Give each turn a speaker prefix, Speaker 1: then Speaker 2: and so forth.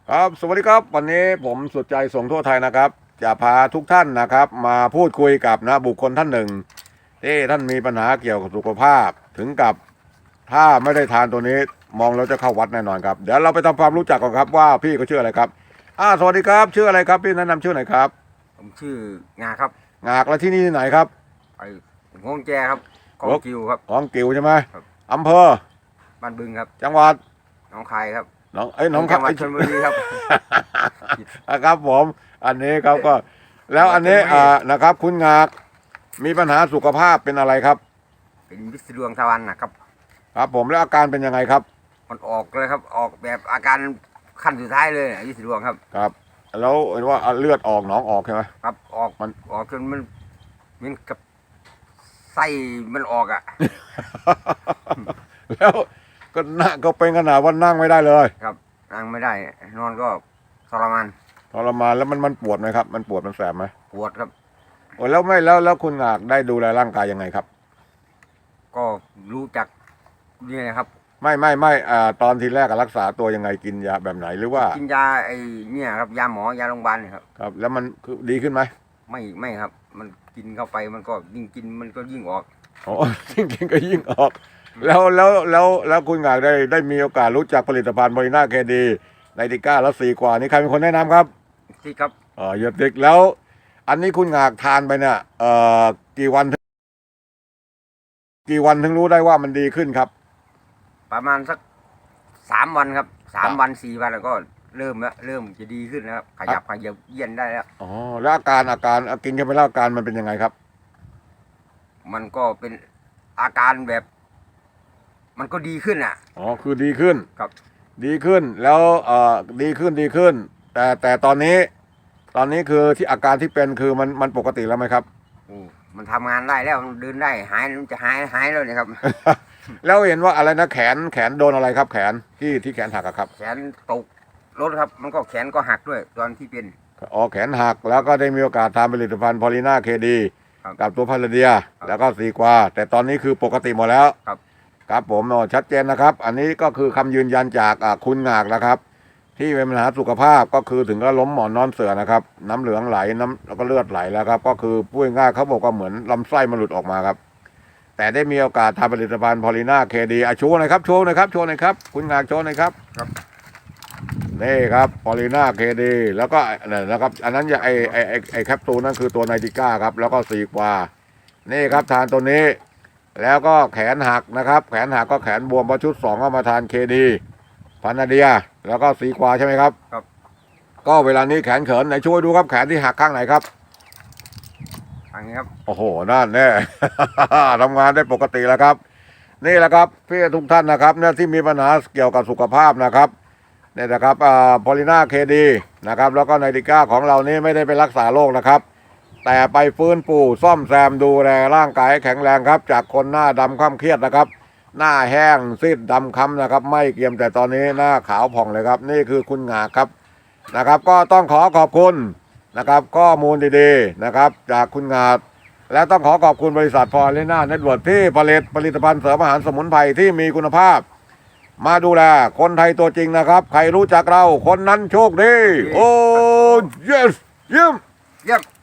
Speaker 1: ครับสวัสดีครับวันนี้ผมสุดใจส่งทั่วไทยนะครับจะพาทุกท่านนะครับมาพูดคุยกับบุคคลท่านหนึ่งที่ท่านมีปัญหาเกี่ยวกับสุขภาพถึงกับถ้าไม่ได้ทานตัวนี้มองแล้วจะเข้าวัดแน่นอนครับเดี๋ยวเราไปทำความรู้จักกันครับว่าพี่เขาชื่ออะไรครับสวัสดีครับชื่ออะไรครับพี่แนะนำชื่อหน่อยครับ
Speaker 2: ผมชื่องาครับ
Speaker 1: งากแล้วที่นี่ที่ไหนครับ
Speaker 2: ไอ้งงแจครับของกิวครับ
Speaker 1: ของกิวใช่ไหม
Speaker 2: ครับ
Speaker 1: อำเภอ
Speaker 2: บ้านบึงครับ
Speaker 1: จังหวัด
Speaker 2: หนองคายครับ
Speaker 1: น้อง
Speaker 2: จังหวัดชลบุรีครับ
Speaker 1: ครับผมอันนี้ครับก็แล้วอันนี้นะครับคุณงากมีปัญหาสุขภาพเป็นอะไรครับ
Speaker 2: เป็นวิสดวงทวารนะครับ
Speaker 1: ครับผมแล้วอาการเป็นยังไงครับ
Speaker 2: มันออกเลยครับออกแบบอาการขั้นสุดท้ายเลยวิสดวงครับ
Speaker 1: ครับแล้วเห็นว่าเลือดออกหนองออกใช่ไหม
Speaker 2: ครับออกมันออกจนมันเหมือนกับไส้มันออกอ่ะ
Speaker 1: แล้วก็นั่งก็เป็นขนาดว่านั่งไม่ได้เลย
Speaker 2: ครับนั่งไม่ได้นอนก็ทรมาน
Speaker 1: แล้วมันปวดไหมครับมันปวดมันแสบไหม
Speaker 2: ปวดครับ
Speaker 1: โอ้แล้วไม่แล้วคุณงากได้ดูแลร่างกายยังไงครับ
Speaker 2: ก็รู้จักนี่นะครับ
Speaker 1: ไม่ตอนทีแรกรักษาตัวยังไงกินยาแบบไหนหรือว่า
Speaker 2: กินยาไอ้เนี่ยครับยาหมอยาโรงพยาบาลเนี่ยครับ
Speaker 1: ครับแล้วมันคือดีขึ้นไหม
Speaker 2: ไม่ครับมันกินเข้าไปมันก็ยิ่งกินมันก็ยิ่งออก
Speaker 1: อ๋อยิ่งกินก็ยิ่งออกแล้วคุณงากได้มีโอกาสรู้จักผลิตภัณฑ์บริน่าเคดีไนติก้าแล้ว4 กว่านี่ใครเป็นคนแนะนำครับ
Speaker 2: ที่ครับ
Speaker 1: เยอะติ๊กแล้วอันนี้คุณงากทานไปเนี่ยกี่วันถึงรู้ได้ว่ามันดีขึ้นครับ
Speaker 2: ประมาณสัก3 วันครับ3 วัน4 วันแล้วก็เริ่มจะดีขึ้นนะครับขยับเยียนได้แล้ว
Speaker 1: อ๋อแล้วอาการกินเข้าไปแล้วอาการมันเป็นยังไงครับ
Speaker 2: มันก็เป็นอาการแบบมันก็ดีขึ้นอ่ะ
Speaker 1: อ๋อคือดีขึ้น
Speaker 2: ครับ
Speaker 1: ดีขึ้นแล้วดีขึ้นแต่ตอนนี้คือที่อาการที่เป็นคือมันปกติแล้วไหมครับ
Speaker 2: มันทำงานได้แล้วมันเดินได้มันจะหายแล้วเนี่ยครับ
Speaker 1: แล้วเห็นว่าอะไรนะแขนโดนอะไรครับแขนที่แขนหักครับ
Speaker 2: แขนตกรถครับมันก็แขนก็หักด้วยตอนที่เป็น
Speaker 1: แขนหักแล้วก็ได้มีโอกาสทานผลิตภัณฑ์พอลิน่าเคดีกับตัวพาราเดียแล้วก็4 กว่าแต่ตอนนี้คือปกติหมดแล้วครับผมชัดเจนนะครับอันนี้ก็คือคำยืนยันจากคุณงากนะครับที่เป็นปัญหาสุขภาพก็คือถึงก็ล้มหมอนนอนเสือนะครับน้ำเหลืองไหลแล้วก็เลือดไหลแล้วครับก็คือพูดง่ายเขาบอกว่าเหมือนลำไส้มันหลุดออกมาครับแต่ได้มีโอกาสทำผลิตภัณฑ์พอลิน่าเคดีโชว์หน่อยครับคุณงากโชว์หน่อยครับนี่ครับพอลิน่าเคดีแล้วก็นะครับอันนั้นไอแคปซูลนั่นคือตัวไนติก้าครับแล้วก็4 กว่านี่ครับทานตัวนี้แล้วก็แขนหักนะครับแขนหักก็แขนบวมพอชุด2ก็มาทานเคดีพานาเดียแล้วก็4 กว่าใช่ไหมครับ
Speaker 2: ครับ
Speaker 1: ก็เวลานี้แขนเขินไหนช่วยดูครับแขนที่หักข้างไหนครับ
Speaker 2: อันนี้ครับ
Speaker 1: โอ้โหนั่นแน่ ทำงานได้ปกติแล้วครับนี่แหละครับพี่ทุกท่านนะครับเนี่ยที่มีปัญหาเกี่ยวกับสุขภาพนะครับเนี่ยนะครับพอลิน่าเคดีนะครับแล้วก็ไนติก้าของเรานี่ไม่ได้ไปรักษาโรคนะครับแต่ไปฟื้นฟูซ่อมแซมดูแลร่างกายแข็งแรงครับจากคนหน้าดำคล้ำเครียดนะครับหน้าแห้งซีดดำคล้ำนะครับไม่เกรียมแต่ตอนนี้หน้าขาวผ่องเลยครับนี่คือคุณงาครับนะครับก็ต้องขอบคุณนะครับข้อมูลดีๆนะครับจากคุณงาและต้องขอบคุณบริษัทพอลิน่าเน็ตเวิร์คที่ผลิตภัณฑ์เสริมอาหารสมุนไพรที่มีคุณภาพมาดูแลคนไทยตัวจริงนะครับใครรู้จักเราคนนั้นโชคดีโอ้ yes เยี่ยม